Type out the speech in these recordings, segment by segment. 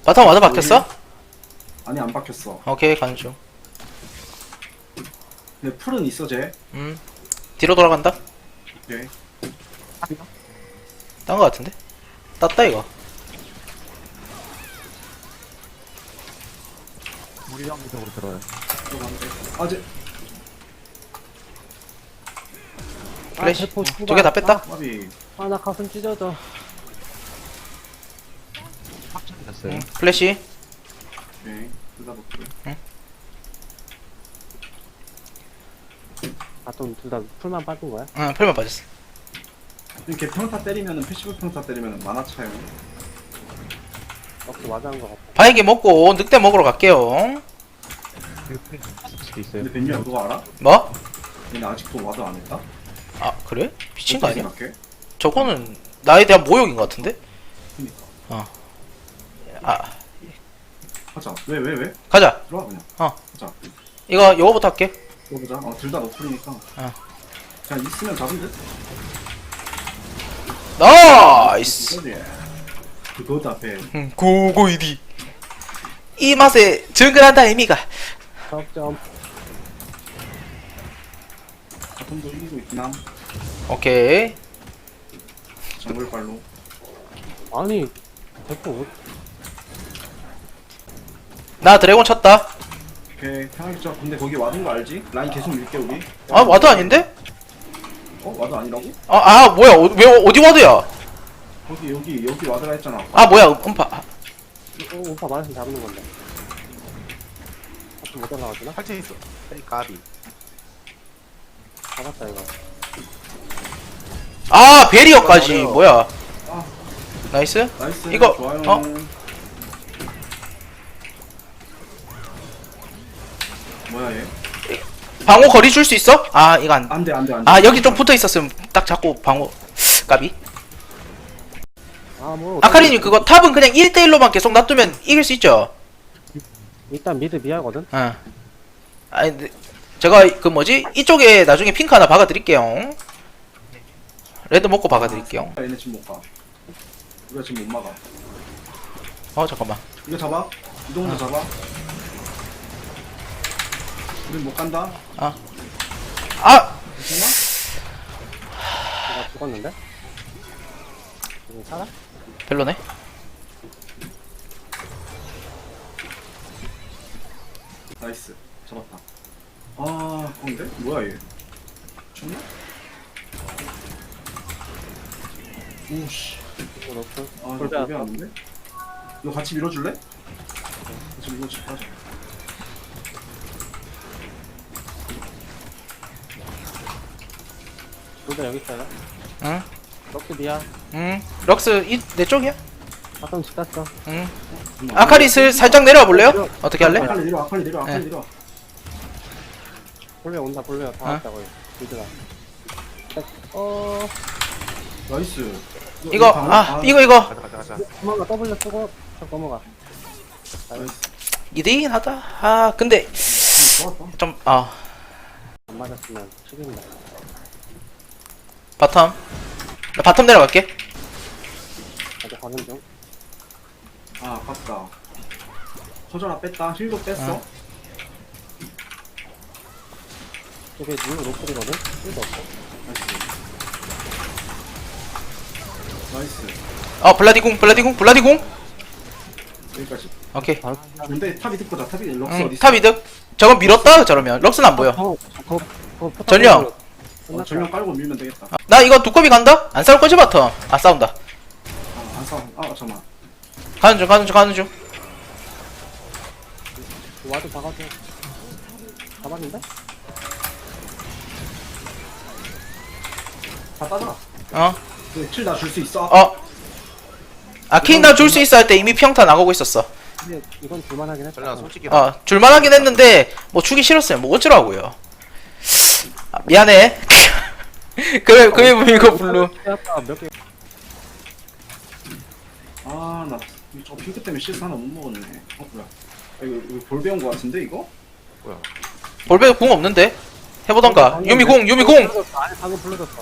바텀 와드 박혔어? 아니 안 박혔어. 오케이 가는 중. 근데 풀은 있어 쟤. 뒤로 돌아간다. 오케이. 딴 거 같은데? 땄다 이거. 우리 한쪽으로 들어요. 들어가는데. 아 쟤. 플래시 대포 두 개 다 뺐다. 까비. 나 가슴 찢어져. 확정이 됐어요. 플래시. 오케이. 둘다 볼게. 둘다 풀만 빠진 거야? 응 풀만 빠졌어. 이렇게 평타 때리면은 패시브 평타 때리면은 만화 차요. 역시 와닿은 거 같아. 바이게 먹고 늑대 먹으러 갈게요. 수도 있어요. 근데 벤유야 그거 알아? 뭐? 얘네 아직도 와드 안 했다? 아 그래? 미친 거 어떻게 아니야? 생각해? 저거는 나에 대한 모욕인 것 같은데? 그니까. 아 하자. 왜? 가자. 들어와 그냥. 어. 하자. 이거 요거부터 할게. 들어보자. 둘 다 너플이니까. 그냥 있으면 잡은 듯? 나이스. 이거지. 그거다 배. 고고이디. 이 맛에 증근한다 의미가. 적점. 바텀도 이기고 있긴 함. 오케이. 정글발로. 아니 대포 나 드래곤 쳤다. 오케이. 편하게 쳐. 근데 거기 와드인 거 알지? 라인 계속 밀게 우리. 아 와드 아닌데? 와드 아니라고? 아 뭐야 왜 어디 와드야? 여기 와드라 했잖아. 아 뭐야 음파. 오빠 말씀 잡는 건데. 못 올라가지나? 확정이 있어. 에이, 까비. 잡았다 이거. 아 베리어까지 맞아요. 뭐야? 아. 나이스. 나이스. 이거, 좋아요. 어? 뭐야 얘? 방어 거리 줄 수 있어? 아 이거 안. 안돼. 아 여기 좀 붙어 있었으면 딱 잡고 방어. 까비. 뭐 아카리님 그거 탑은 그냥 1대1로만 계속 놔두면 이길 수 있죠? 일단 미드 미하거든. 응. 아니 근데 제가 그 뭐지? 이쪽에 나중에 핑크 하나 박아드릴게요. 레드 먹고 박아드릴게요. 얘네 지금 못 가. 우리가 지금 못 막아. 어 잠깐만. 이거 잡아. 이동도 잡아. 우린 못 간다. 아 괜찮아? 내가 죽었는데? 이거 살아? 별로네. 나이스. 잡았다. 아, 근데 뭐야 얘? 죽나? 오씨. 이거 넣고. 아, 골 이거 빼앗아. 골배 왔는데? 너 같이 밀어줄래? 같이 밀어줘. 가자. 둘다 여기 있어요. 응. 럭스 미야. 응. 럭스 내 쪽이야? 바텀 집 갔어. 응. 아카리 살짝 내려와 볼래요? 어떻게 할래? 아칼리 내려와. 아칼리 내려와. 아칼리 네. 내려와. 볼레 온다 볼레 다 어? 왔다고요. 미드가. 나이스. 이거 이거 가자. 도망가 W 쓰고 저 넘어가. 나이스. 2대2긴 하다. 아 근데 좋았다. 좀 안 맞았으면 죽인다. 바텀. 나 바텀 내려갈게. 아직 가는 중. 아, 아깝다. 허전아 뺐다. 힐도 뺐어. 이게 물로 노플이거든? 1도 없어. 나이스. 블라디궁. 여기까지. 오케이. 바로 근데 탑이 듣고 다 탑이 럭스 응. 어디 있어? 탑 이득. 저건 밀었다 저러면 럭스는 안 보여. 포탑 전령. 전령 깔고 밀면 되겠다. 나 이거 두꺼비 간다? 안 싸울 거지 바텀? 아 싸운다. 안 싸워. 잠깐만. 가는 중. 와도 박아줘. 잡았는데? 다 따져라. 어. 킬나 줄 수 있어. 아케인 줄 수 있어 할 때 이미 평타 나가고 있었어. 근데 이건 줄만하긴 했다. 전략 솔직히 줄만하긴 했는데 뭐 주기 싫었어요. 뭐 어쩌라고요. 아, 미안해. 그래 이거 블루. 몇 개. 아, 나 저 핑크 때문에 실수 하나 못 먹었네. 뭐야? 이거 볼 배운 거 같은데 이거? 뭐야? 볼베 궁 없는데? 해보던가. 유미궁. 아니 방금 불러줬어.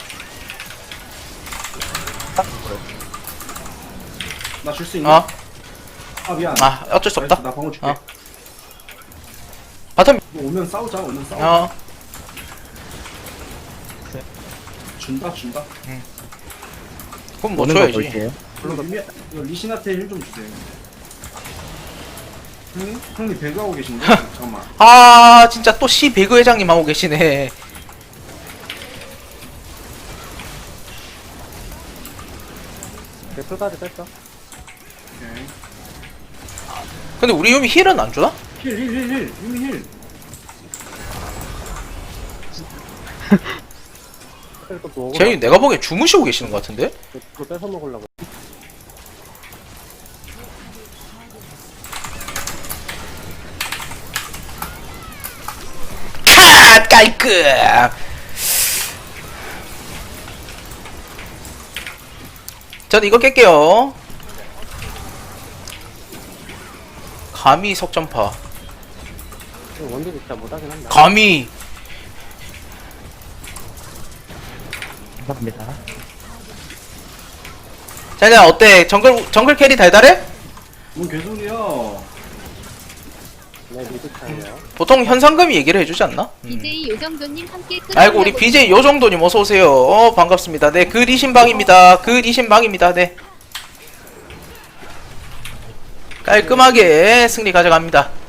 나 줄 수 있나? 아 미안. 아 어쩔 수 없다. 나 방어 줄게. 어. 바텀 너 오면 싸우자. 오면 싸우자. 어 준다. 그럼 뭐 오는 거 줘야지. 볼게요. 이거 리신한테 힐 좀 주세요. 형님 배그하고 계신데? 잠깐만. 아 진짜 또 시 배그 회장님 하고 계시네. 풀까지 뺐어. 오케이. 근데 우리 유미 힐은 안 주나? 힐. 유미 힐. 또 또. 쟤이 내가 보기엔 주무시고 계시는 것 같은데? 그거 뺏어 먹으려고. 차 깔끔. 전 이거 깰게요. 감히 석전파. 원딜이 진짜 못하긴 한다. 감히. 감사합니다. 자자 어때? 정글 캐리 달달해? 뭔 개소리야. 네, 미드 차이에요. 보통 현상금이 얘기를 해주지 않나? BJ 요정도님 함께 끊어. 아이고 우리 BJ 요정도님 어서 오세요. 반갑습니다. 네, 그 리신방입니다. 그 리신방입니다. 네. 깔끔하게 승리 가져갑니다.